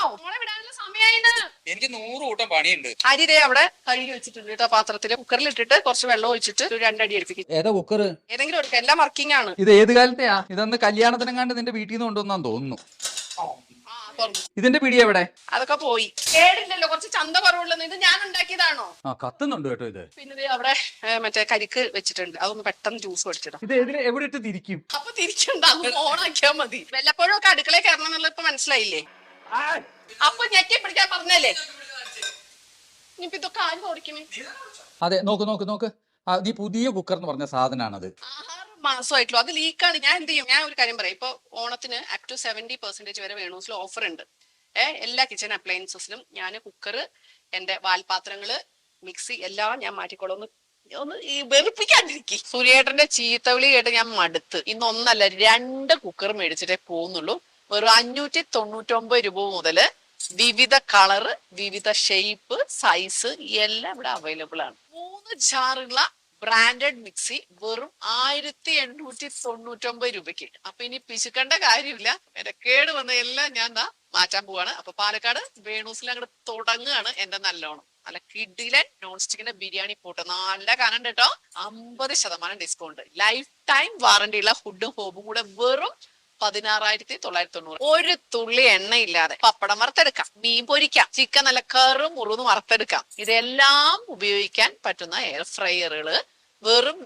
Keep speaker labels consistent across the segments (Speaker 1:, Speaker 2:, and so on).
Speaker 1: മോളെ വിടാനുള്ള സമയമായിന്ന്.
Speaker 2: എനിക്ക് 100 കൂട്ടം പണിയുണ്ട്.
Speaker 1: അരി ദേ അവിടെ കഴുകി വെച്ചിട്ടുണ്ട് കേട്ടോ. പാത്രത്തില് കുക്കറിൽ ഇട്ടിട്ട് കുറച്ച് വെള്ളം ഒഴിച്ചിട്ട് ഒരു 2 അടി അടുപ്പിക്കും.
Speaker 3: ഏതാ കുക്കർ?
Speaker 1: ഏതെങ്കിലും എടുക്കാം, എല്ലാം വർക്കിംഗ് ആണ്.
Speaker 3: ഇത് ഏത് കാലത്തെയാ? ഇതൊന്ന് കല്യാണത്തിനെങ്ങാണ്ട് നിന്റെ വീട്ടിൽ നിന്ന് കൊണ്ടുവന്നാന്ന് തോന്നുന്നു. ഇതിന്റെ പിടി എവിടെ?
Speaker 1: അതൊക്കെ പോയി. കേടില്ലല്ലോ, കുറച്ച് ചന്ത കുറവുള്ളത്. ഇത് ഞാൻ ഉണ്ടാക്കിയതാണോ?
Speaker 3: ആ കത്തുന്നുണ്ട് കേട്ടോ ഇത്.
Speaker 1: പിന്നെ അവിടെ മറ്റേ കരിക്ക് വെച്ചിട്ടുണ്ട്, അതൊന്ന് പെട്ടെന്ന് ജ്യൂസ് പഠിച്ചിടാം.
Speaker 3: ഇത് എവിടെ ഇട്ട് തിരിക്കും?
Speaker 1: അപ്പൊ തിരിച്ചുണ്ടാകും, ഓണാക്കിയാ മതി. വല്ലപ്പോഴും ഒക്കെ അടുക്കളയിൽ കയറണം എന്നുള്ളത് ഇപ്പൊ മനസ്സിലായില്ലേ? അപ്പൊ ഞെക്കി പിടിക്കാൻ പറഞ്ഞല്ലേ. ഇനിയിപ്പോ ഇതൊക്കെ ആരും ഓടിക്കണേ?
Speaker 3: അതെ, നോക്ക് നോക്ക് നോക്ക്. നീ പുതിയ കുക്കർ എന്ന് പറഞ്ഞ സാധനമാണത്.
Speaker 1: 6 മാസമായിട്ടുള്ളൂ, അത് ലീക്കാണ്. ഞാൻ എന്ത് ചെയ്യും, ഞാൻ ഒരു കാര്യം പറയാം. ഇപ്പൊ ഓണത്തിന് അപ് ടു 70% വരെ വേണൂസിൽ ഓഫർ ഉണ്ട്. എല്ലാ കിച്ചൺ അപ്ലയൻസസിലും ഞാൻ കുക്കർ, എന്റെ വാൽപാത്രങ്ങള്, മിക്സി എല്ലാം ഞാൻ മാറ്റിക്കോളാം. ഒന്ന് ഈ വെറുപ്പിക്കാണ്ടിരിക്കും. സൂര്യേട്ടന്റെ ചീത്തവിളി കേട്ട് ഞാൻ മടുത്ത്. ഇന്ന് 1 അല്ല 2 കുക്കർ മേടിച്ചിട്ടേ പോകുന്നുള്ളൂ. വെറും 599 രൂപ മുതല് വിവിധ കളറ്, വിവിധ ഷേപ്പ്, സൈസ് എല്ലാം ഇവിടെ അവൈലബിൾ ആണ്. 3 ജാറുള്ള ബ്രാൻഡഡ് മിക്സി വെറും 1899 രൂപയ്ക്ക്. അപ്പൊ ഇനി പിശുക്കേണ്ട കാര്യമില്ല. എന്റെ കേട് വന്ന എല്ലാം ഞാൻ മാറ്റാൻ പോവാണ്. അപ്പൊ പാലക്കാട് വേണൂസിൽ അങ്ങോട്ട് തുടങ്ങുകയാണ് എന്റെ നല്ലോണം. നല്ല കിഡിലൻ നോൺ സ്റ്റിക്കിന്റെ ബിരിയാണി പോട്ട് നല്ല കനം കേട്ടോ. 50% ഡിസ്കൗണ്ട്, ലൈഫ് ടൈം വാറന്റി ഉള്ള ഫുഡും ഹോബും കൂടെ വെറും 16,990. ഒരു തുള്ളി എണ്ണയില്ലാതെ പപ്പടം വറുത്തെടുക്കാം, മീൻ പൊരിക്കാം, ചിക്കൻ നല്ല കറും മുറുന്ന് വറുത്തെടുക്കാം. ഇതെല്ലാം ഉപയോഗിക്കാൻ പറ്റുന്ന എയർ ഫ്രയറുകള് വെറും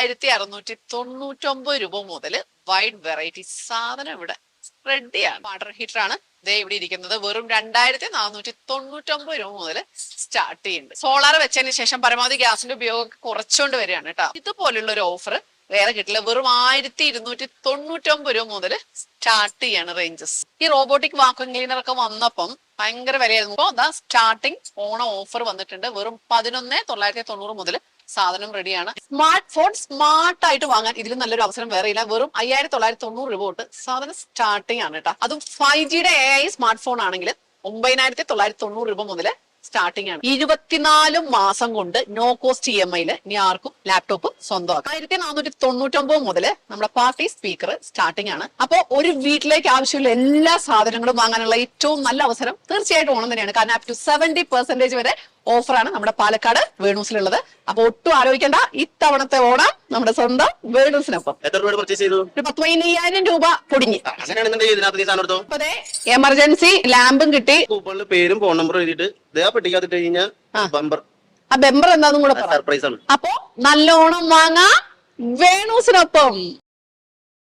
Speaker 1: 2,699 രൂപ മുതൽ വൈഡ് വെറൈറ്റി സാധനം ഇവിടെ റെഡിയാണ്. വാട്ടർ ഹീറ്റർ ആണ് ദേ ഇവിടെ ഇരിക്കുന്നത്. വെറും 2,499 രൂപ മുതൽ സ്റ്റാർട്ട് ചെയ്യുന്നുണ്ട്. സോളാർ വെച്ചതിന് ശേഷം പരമാവധി ഗ്യാസിന്റെ ഉപയോഗം കുറച്ചുകൊണ്ട് വരികയാണ് കേട്ടോ. ഇതുപോലുള്ള ഒരു ഓഫർ വേറെ കിട്ടില്ല. വെറും 1,299 രൂപ മുതൽ സ്റ്റാർട്ട് ചെയ്യാണ് റേഞ്ചസ്. ഈ റോബോട്ടിക് വാക്വം ക്ലീനർ ഒക്കെ വന്നപ്പം ഭയങ്കര വിലയായിരുന്നു. ഇപ്പൊ സ്റ്റാർട്ടിങ് ഓണം ഓഫർ വന്നിട്ടുണ്ട്. വെറും 11,990 മുതൽ സാധനം റെഡിയാണ്. സ്മാർട്ട് ഫോൺ സ്മാർട്ട് ആയിട്ട് വാങ്ങാൻ ഇതിലും നല്ലൊരു അവസരം വേറെ ഇല്ല. വെറും 5,990 രൂപ തൊട്ട് സാധനം സ്റ്റാർട്ടിങ് ആണ് കേട്ടോ. അതും 5Gയുടെ AI സ്മാർട്ട് ഫോൺ ആണെങ്കിൽ 9,990 രൂപ മുതൽ സ്റ്റാർട്ടിംഗ് ആണ്. 24 മാസം കൊണ്ട് നോ കോസ്റ്റ് EMI ഇനി ആർക്കും ലാപ്ടോപ്പ് സ്വന്തമാക്കാം. 1,499 മുതൽ നമ്മുടെ പാർട്ടി സ്പീക്കർ സ്റ്റാർട്ടിംഗ് ആണ്. അപ്പൊ ഒരു വീട്ടിലേക്ക് ആവശ്യമുള്ള എല്ലാ സാധനങ്ങളും വാങ്ങാനുള്ള ഏറ്റവും നല്ല അവസരം തീർച്ചയായിട്ടും ഓണം തന്നെയാണ്. കാരണം അപ് ടു 70% വരെ ഓഫറാണ് നമ്മുടെ പാലക്കാട് വേണൂസിലുള്ളത്. അപ്പൊ ഒട്ടും ആലോചിക്കേണ്ട, ഇത്തവണത്തെ ഓണം നമ്മുടെ സ്വന്തം വേണൂസിനൊപ്പം.
Speaker 4: എത്ര രൂപ പർച്ചേസ് ചെയ്തു?
Speaker 1: 15,000 രൂപ പൊടിഞ്ഞ്.
Speaker 4: അതെ,
Speaker 1: എമർജൻസി ലാമ്പും കിട്ടി.
Speaker 4: കൂപ്പണില് പേരും ഫോൺ നമ്പറും എഴുതിയിട്ട് പെട്ടിക്കാത്തിട്ട് കഴിഞ്ഞാൽ ബമ്പർ.
Speaker 1: ആ ബെമ്പർ എന്താന്നും കൂടെ
Speaker 4: സർപ്രൈസ് ആണ്.
Speaker 1: അപ്പൊ നല്ലോണം വാങ്ങാ വേണൂസിനൊപ്പം.